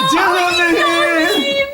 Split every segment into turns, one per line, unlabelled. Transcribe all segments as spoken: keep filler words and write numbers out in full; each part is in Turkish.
Canım benim.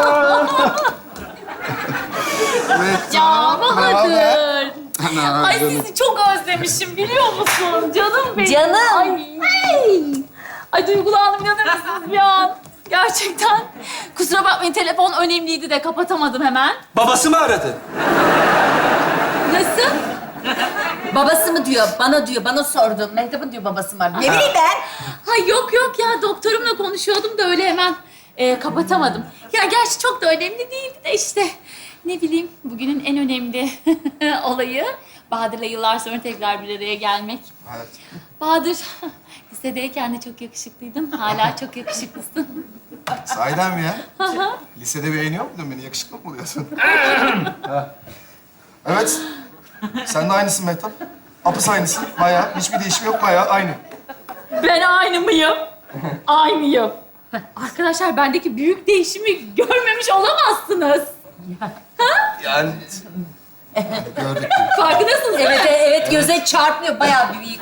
Ya Bahadır.
Ana,
Ay
canım.
sizi çok özlemişim biliyor musun? Canım benim.
Canım.
Ay. Ay, Ay duygulandım inanır mısınız bir an? Gerçekten. Kusura bakmayın telefon önemliydi de kapatamadım hemen.
Babası mı aradı?
Nasıl?
Babası mı diyor, bana diyor, bana sordu. Mehtap'ın diyor babası mı? Ne bileyim ben?
Ha yok yok ya doktorumla konuşuyordum da öyle hemen e, kapatamadım. Ya gerçi çok da önemli değildi de işte ne bileyim bugünün en önemli olayı Bahadır'la yıllar sonra tekrar bir araya gelmek.
Evet.
Bahadır lisedeyken de çok yakışıklıydın. Hala çok yakışıklısın.
Sahiden mi ya? Lisede beğeniyor muydun beni? Yakışıklı mı buluyorsun? Ha. Evet. Sen de aynısın Mehtap. Apıs aynısın. Bayağı. Hiçbir değişim yok. Bayağı aynı.
Ben aynı mıyım? Aynıyım. Arkadaşlar bendeki büyük değişimi görmemiş olamazsınız.
Yani... Gördük.
Farkındasınız değil
Evet,
mi?
evet göze çarpmıyor. Bayağı büyük.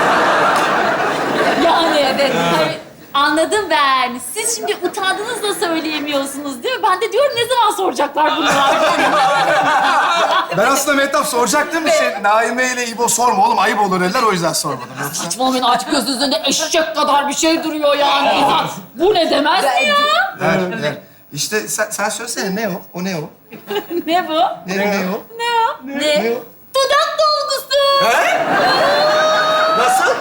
Yani evet. Hayır, anladım ben. Siz şimdi utandınız da söyleyemiyorsunuz değil mi? Ben de diyorum ne zaman soracaklar bunlar?
Ben aslında Mehtap soracaktım bir şey. Naime ile İbo sorma oğlum. Ayıp olur dediler. O yüzden sormadım. Yoksa...
Saçmalamayın açık göz üzerinde eşek kadar bir şey duruyor yani. İnsan bu ne demez mi ya?
Ver, ver. İşte sen, sen söylesene ne o? O ne o?
Ne bu?
Ne, ne o?
Ne o?
Ne?
Ne o?
Dudak dolgusu.
He? Nasıl?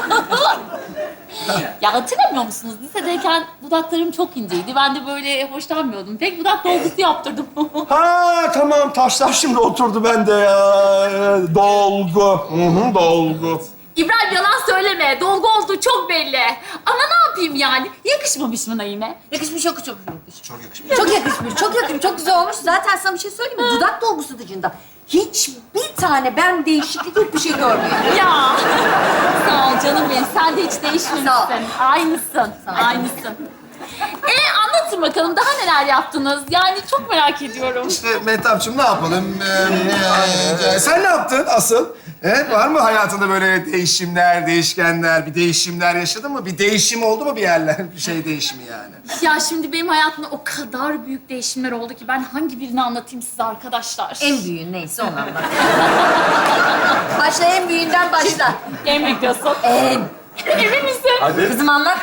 Ya hatırlamıyor musunuz? Lisedeyken dudaklarım çok inceydi. Ben de böyle hoşlanmıyordum. Pek dudak dolgusu yaptırdım.
Ha tamam taşlar şimdi oturdu bende ya. Dolgu. Hı hı, dolgu.
İbrahim yalan söyleme. Dolgu olduğu çok belli. Ama ne yapayım yani? Yakışmamış mı Naime?
Yakışmış, çok çok yakışmış.
Çok yakışmış.
Çok yakışmış, çok yakışmış. Çok güzel olmuş. Zaten sana bir şey söyleyeyim mi? Dudak dolgusu dışında hiçbir tane ben değişiklik yok bir şey görmüyorum.
Ya. Sağ ol canım benim. Sen de hiç değişmemişsin.
Sağ ol.
Aynısın.
Sağ ol.
Aynısın. E anlatın bakalım daha neler yaptınız? Yani çok merak ediyorum.
İşte Mehtapçığım ne yapalım? Ee, e, sen ne yaptın asıl? Evet, var mı hayatında böyle değişimler, değişkenler, bir değişimler yaşadın mı? Bir değişim oldu mu bir yerler? Bir şey değişimi yani.
Ya şimdi benim hayatımda o kadar büyük değişimler oldu ki ben hangi birini anlatayım size arkadaşlar?
En büyüğün neyse onu anlat. Başla, en büyüğünden başla.
En büyük diyorsun.
En.
Emin misin?
Hadi.
Kızım anlat.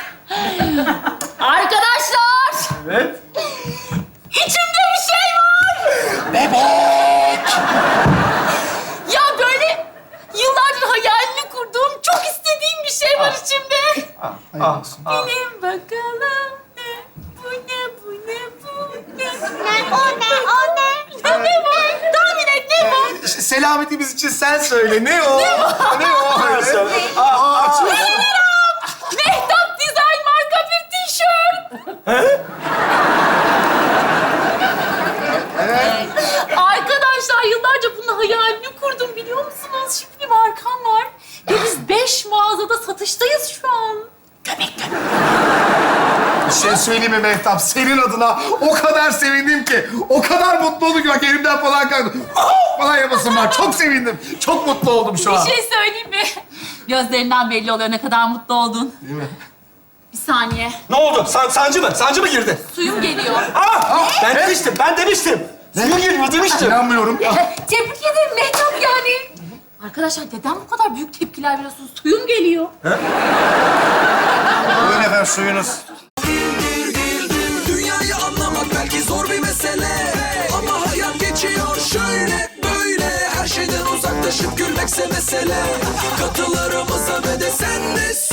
Arkadaşlar!
Evet.
İçimde bir şey var!
Bebek.
Ya böyle yıllardır hayalini kurduğum, çok istediğim bir şey var içimde.
Hayır olsun.
Bilin bakalım ne? Bu ne, bu ne, bu ne? Ne, o ne, o ne? Ya ne bu? Tahmin et ne bu?
İşte selametimiz için sen söyle. Ne o? Ne o? Ne o?
Söyle.
Aa, aa, açma.
Mehtap Design marka bir tişört.
Evet.
Arkadaşlar yıllarca bunun hayalini kurdum biliyor musunuz? Şimdi bir markam var. Ve biz beş mağazada satıştayız şu an.
Bir şey söyleyeyim mi Mehtap? Senin adına o kadar sevindim ki. O kadar mutlu oldum ki bak elimden falan kaldı. Ah! Falan yapasım var. Çok sevindim. Çok mutlu oldum şu an.
Bir şey söyleyeyim mi? Gözlerinden belli oluyor ne kadar mutlu oldun.
Değil mi?
Bir saniye.
Ne oldu? San, sancı mı? Sancı mı girdi?
Suyum geliyor.
Ah! Ben demiştim, ben demiştim. Suyu giriyor demiştim.
İnanmıyorum.
Tebrik ederim Mehtap yani.
Arkadaşlar neden bu kadar büyük tepkiler veriyorsunuz? Suyum geliyor.
Buyurun efendim suyunuz.
Dünyayı anlamak belki zor bir mesele, ama hayat geçiyor şöyle böyle. Her şeyden uzaklaşıp gülmekse mesele. Katılarımıza ve de sen de